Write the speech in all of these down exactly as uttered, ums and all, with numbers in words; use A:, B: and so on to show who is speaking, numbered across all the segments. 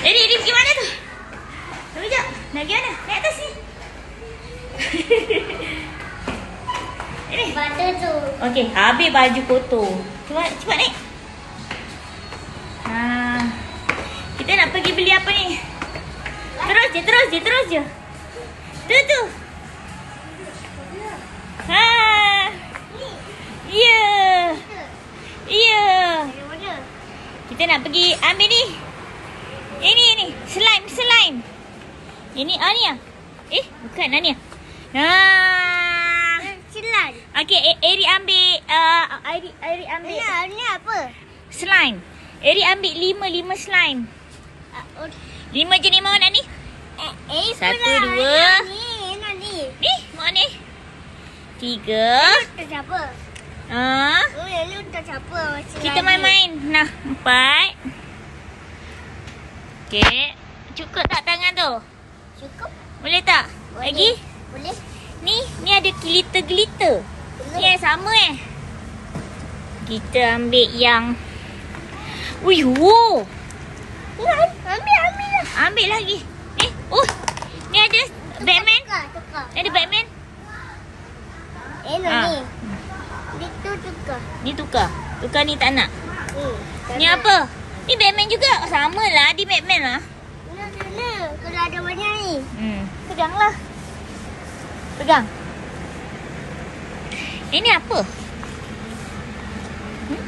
A: Eri, Eri pergi mana tu? Tunggu sekejap. Nak pergi mana? Naik atas ni. Eri.
B: Batu tu.
A: Okey, habis baju kotor. Cuba, cepat naik. Ha. Kita nak pergi beli apa ni? Terus je, terus je, terus je. Tu, tu. Ha. Ya. Ya. Kita nak pergi ambil ni. Ini, ini. Slime, slime. Ini, ah ni ah. Eh, bukan ah ni ah. Haa.
B: Slime.
A: Okey, E- Eri ambil uh, Eri, Eri ambil
B: Ini, ini apa?
A: slime. Eri ambil lima, lima slime.
B: Uh,
A: Lima jenis mana ni?
B: eh, eh,
A: Satu,
B: pula.
A: dua.
B: Ini, ini, ni.
A: Ni, mana ni? Tiga.
B: Untuk siapa?
A: Ah,
B: Oh, ini untuk siapa? Masih
A: kita
B: lagi.
A: main-main. Nah, empat. Okey. Cukup tak tangan tu?
B: Cukup?
A: Boleh tak?
B: Boleh.
A: Lagi?
B: Boleh.
A: Ni, ni ada glitter-glitter. Ni yang sama eh. Kita ambil yang Ui, wow.
B: Ambil, ambil lah.
A: Ambil lagi. Eh, oh. Ni ada Batman.
B: Tukar, tukar.
A: Ni ada Batman.
B: Eh, no,
A: Ah.
B: ni. Itu tukar.
A: Ni tukar. Tukar ni tak nak.
B: Hmm.
A: Ni apa? Ni Batman juga. Sama lah. Dia Batman lah.
B: Mana, mana? Kalau ada banyak ni.
A: Hmm. Peganglah. Pegang. Ini apa? Hmm?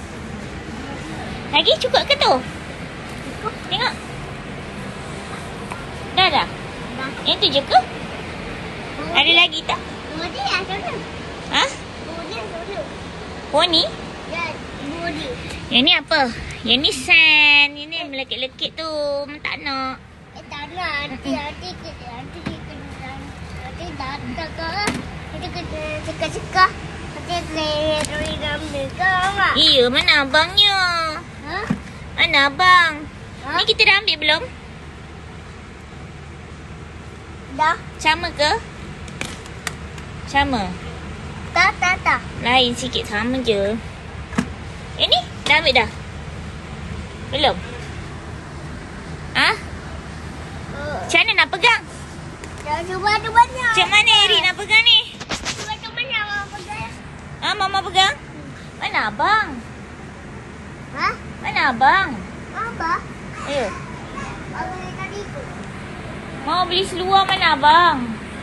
A: Lagi cukup ke tu?
B: Cukup.
A: Tengok. Dah dah.
B: Dah.
A: Yang tu je ke? Ada lagi tak?
B: Bodi lah, sana.
A: Ha?
B: Bodi lah, sana.
A: Poni?
B: Ya, bodi.
A: Yang ni apa? Yang ni sand. Yang ni melekit-lekit tu. Tak nak.
B: Eh, tak nak. Nanti, nanti, kita- nanti, kita- nanti datang ke. Nanti kita cekah-cekah. Nanti lari dalam negara, Mak.
A: Iya, mana abangnya?
B: Ha?
A: Mana abang?
B: Ha?
A: Ni kita dah ambil belum?
B: Dah.
A: Sama ke? Sama.
B: Tak, tak, tak.
A: Lain sikit, sama je. Eh ni, dah ambil dah? Belum? Ah?
B: Oh.
A: Macam mana nak pegang?
B: Dah cuba tu banyak.
A: Macam mana Eri nak pegang ni?
B: Cuba tu banyak, Mak. Pegang.
A: Ah, Mama pegang? Mana abang?
B: Ha?
A: Mana abang?
B: Apa?
A: Ayo.
B: Abang yang tadi tu.
A: Mau beli seluar mana abang?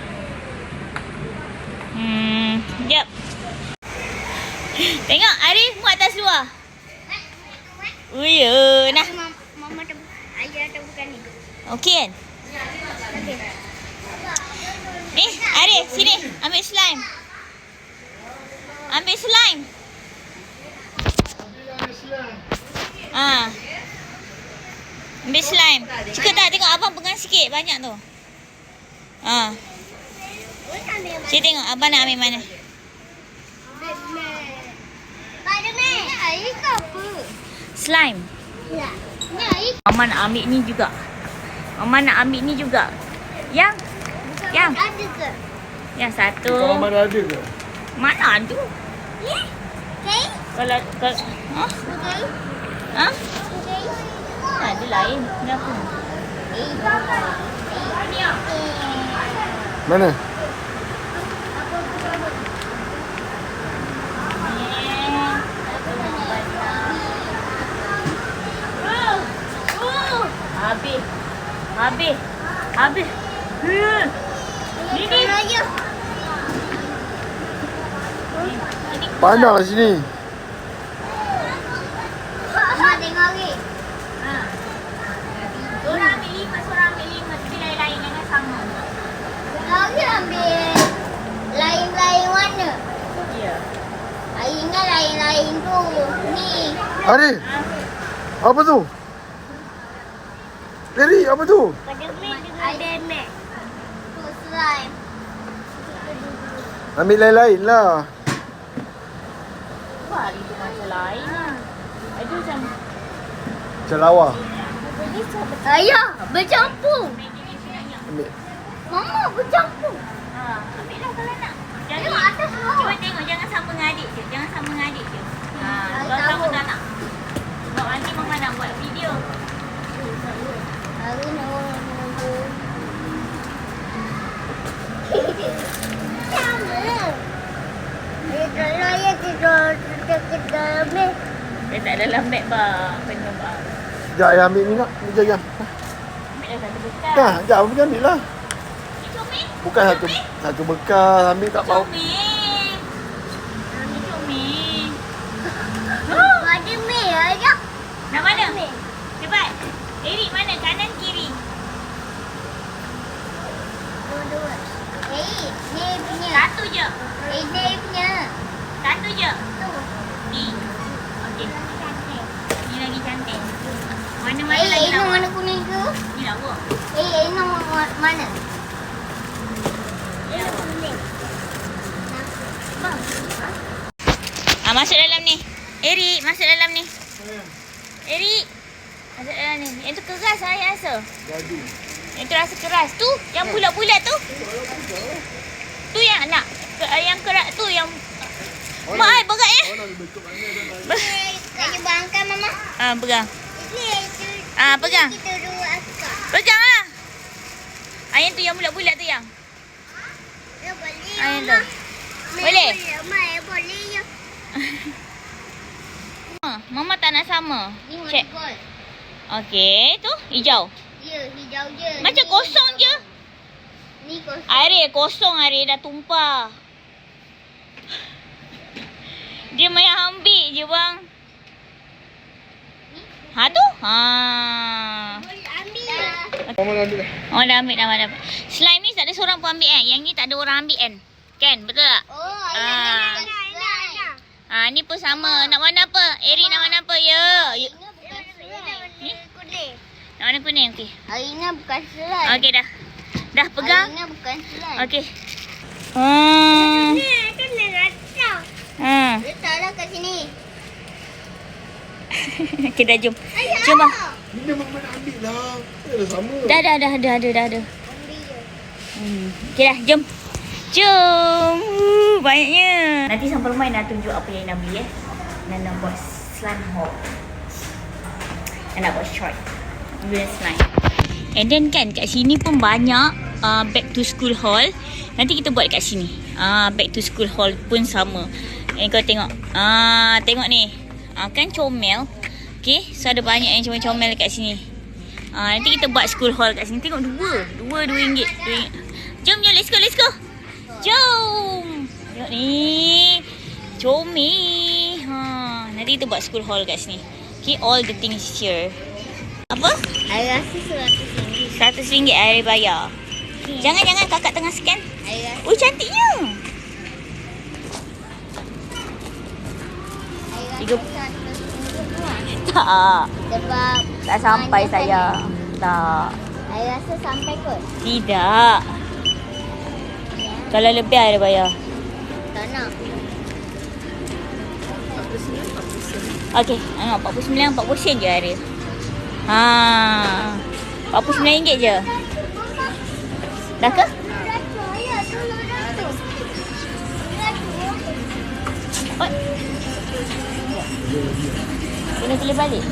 A: Hmm, sekejap. Tengok, Arif muat tak seluar? Oh ya, nah.
B: Mama, mama tu, ayah tu bukan ni.
A: Okey kan?
B: Okey.
A: Ni, Arif, sini. Ambil slime. Ambil slime. Ah. Ambil slime. Cukup tak? Tengok abang pegang sikit. Banyak tu. Ah. Saya tengok abang nak ambil mana.
B: Spiderman. Ni air ke apa?
A: Slime.
B: Ya. Ni air.
A: Mama nak ambil ni juga. Mama nak ambil ni juga. Yang. Yang.
B: Ada ke?
A: Yang satu.
C: Kalau mana ada ke?
A: Mana ada?
B: Ni? Okay.
A: Kalau, kalau. Ha?
B: Okay.
A: Ha?
B: Okay.
A: Ada lain. Kenapa?
C: Mana?
A: Habis. Habis. Habis. Hmm. Ni ni.
B: Ayo.
C: Pandang kat sini.
B: Mama tengok ni.
A: Ha. Seorang ambil lima, seorang ambil lima. Tapi lain-lain jangan sama.
B: Lagi ambil lain-lain warna.
A: Ya.
B: Air ingat lain-lain tu. Ni.
C: Arif, apa tu? Eri, apa tu?
B: Spiderman dengan Batman. Tu slime.
C: Ambil lain-lain lah.
A: Wah, itu macam lain. Ada macam
C: Macam lawa.
B: Ayah, bercampur.
C: Ambil.
B: Mama bercampur.
A: ha, ambil lah kalau nak. Jangan
B: Tengok atas bawah.
A: cuba tengok jangan sama dengan adik je. Jangan sama dengan adik je. Ha,
B: Adik
A: kalau sama
B: tahu.
A: tak nak. Sebab nanti mama nak buat video.
B: Sama. Eh, kalau ya tidur dekat dalam ni.
A: Dia tak dalam beg bang. Penuh bang.
C: Sekejap ayah ambil ni nak. Ni jangan.
A: Ambil dah satu bekas.
C: Dah, sekejap abang pergi ambil lah.
A: Ni comel.
C: Bukan satu satu bekas ambil tak bau.
A: Comel. Ni comel.
B: Ada mie aja.
A: Nak mana? Cepat. Erik mana? Kanan kiri.
B: Dua-dua. Eh, ni punya.
A: Satu je.
B: Eh, ni punya.
A: Satu je.
B: Tu.
A: Ni. Okey.
B: Cantik.
A: Ni lagi cantik. Mana-mana
B: Eh,
A: lagi
B: ini
A: lawa.
B: warna kuning tu.
A: Ni lawa.
B: Eh, ini warna mana? Ini kuning.
A: Bang. Ah, masuk dalam ni. Erik, masuk dalam ni. Erik. Masuk dalam ni. Yang tu keras saya rasa.
C: Gaduh.
A: Yang tu rasa keras. Tu, yang bulat-bulat tu. Tu yang nak. Ke- Yang keras tu yang... Mak ai berat ya.
C: Mana ada bentuk mana dah.
B: Saya bangkan mama.
A: Ah, pegang.
B: Ini itu.
A: Ah, pegang.
B: Kita dua akak.
A: Pegang lah. Ah, yang tu yang bulat-bulat tu yang.
B: Ya boleh.
A: Ah, yang tu. Boleh?
B: Boleh, boleh ya.
A: Ah, Mama tak nak sama.
B: Ni warna
A: Check.
B: gold.
A: Okey, tu hijau.
B: Ya, hijau je.
A: Macam
B: Ni-
A: kosong je.
B: Ni kosong.
A: Air kosong air dah tumpah. Dia main ambil je bang. Ha tu? Ha.
B: Ambil dah.
C: Mama dah ambil dah.
A: Oh dah ambil dah dah. Slime ni tak ada seorang pun ambil kan? Yang ni tak ada orang ambil kan? Kan? Betul tak?
B: Oh,
A: Ah.
B: ayah nak nak.
A: Ha ni pun sama. Nak warna apa? Eri nak warna apa? Ya.
B: Ini
A: You-
B: bukan slime.
A: Ni?
B: Kuning.
A: Nak warna kuning okey.
B: Hari ni bukan slime.
A: Okey dah. Dah pegang.
B: Hari ni bukan slime.
A: Okey. Hmm.
B: Ni kena rata.
A: Hmm.
B: Letaklah kat sini.
A: Okey dah jom.
B: Ayah.
A: Jom bang.
C: Bila mama nak ambil lah. Eh, dah sama.
A: Dah dah dah dah dah dah. dah.
B: Ambil je.
A: Hmm. Okey dah, jom. Jom. Uh, banyaknya. Nanti sampai rumah nak tunjuk apa yang nak beli eh. Dan nak buat slime haul. Dan nak buat short. Guna slime. And then kan kat sini pun banyak uh, back to school haul. Nanti kita buat kat sini. Ah, uh, back to school haul pun sama. Eh kau tengok. Ah, uh, tengok ni. Ah, uh, kan comel. Okay, so ada banyak yang comel-comel kat sini. Ah, uh, nanti kita buat school haul kat sini. Tengok dua. Dua, dua ringgit. Dua ringgit. Jom, jom. Let's go, let's go. Jom. Tengok ni. Comel. Ha, nanti kita buat school haul kat sini. Okay, all the things here. Apa?
B: Saya rasa seratus ringgit.
A: Seratus ringgit air bayar. Jangan, jangan. Kakak tengah scan.
B: Saya rasa.
A: Oh, cantiknya.
B: Saya
A: Tiga-
B: rasa seratus ringgit tu.
A: Tak.
B: Sebab
A: Tak sampai
B: banyak
A: sayang.
B: kan.
A: Tak.
B: Saya rasa sampai kot.
A: Tidak.
B: Ya.
A: Kalau lebih air bayar.
B: Tak nak.
A: Okey, tengok empat puluh sembilan, empat puluh sen je air. Ha. empat puluh sembilan ringgit je. Dah ke? Oh. Kena pilih balik.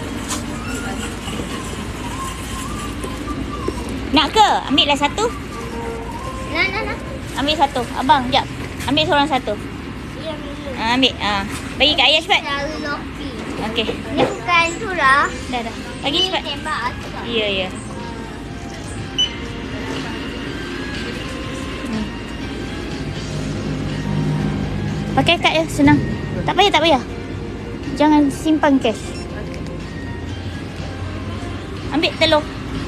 A: Nak ke? Ambil lah satu.
B: Nak, nak, nak.
A: Ambil satu. Abang, jap. Ambil seorang satu.
B: Ya, minum.
A: Ha, ambil. Ha. Bagi kat ayah cepat.
B: Selalu lopi.
A: Okey.
B: Ni bukan tu lah.
A: Dah, dah. Bagi
B: Ni
A: cepat.
B: tembak asap.
A: Ya, ya. Hmm. Pakai kad je, senang. Tak payah, tak payah. Jangan simpan cash. Ambil telur.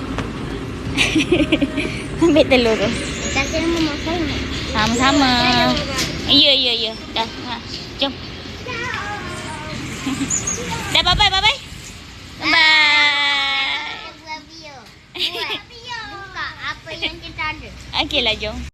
A: Ambil telur tu.
B: Tak kena memakai ni.
A: Sama-sama. Ya, ya, ya. Dah. Ha. Jom. Dah, bye-bye, bye-bye. Bye.
B: Buat video. Buat video. Buka apa yang kita ada.
A: Okeylah, jom.